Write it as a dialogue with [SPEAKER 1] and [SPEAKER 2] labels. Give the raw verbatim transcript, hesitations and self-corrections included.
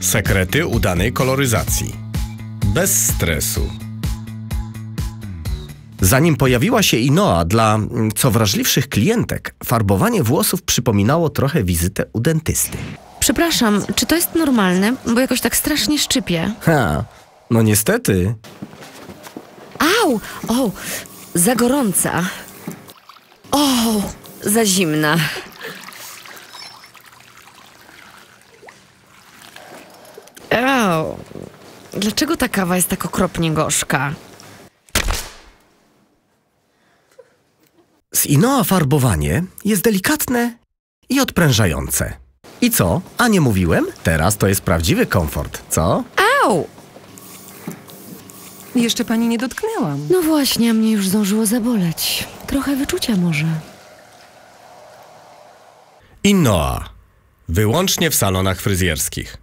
[SPEAKER 1] Sekrety udanej koloryzacji. Bez stresu. Zanim pojawiła się Inoa, dla co wrażliwszych klientek farbowanie włosów przypominało trochę wizytę u dentysty.
[SPEAKER 2] Przepraszam, czy to jest normalne? Bo jakoś tak strasznie szczypie.
[SPEAKER 1] Ha, no niestety.
[SPEAKER 2] Au! O, za gorąca. O, za zimna. Au! Dlaczego ta kawa jest tak okropnie gorzka?
[SPEAKER 1] Z Inoa farbowanie jest delikatne i odprężające. I co? A nie mówiłem? Teraz to jest prawdziwy komfort, co?
[SPEAKER 2] Au!
[SPEAKER 3] Jeszcze pani nie dotknęłam.
[SPEAKER 2] No właśnie, a mnie już zdążyło zaboleć. Trochę wyczucia może.
[SPEAKER 1] Inoa. Wyłącznie w salonach fryzjerskich.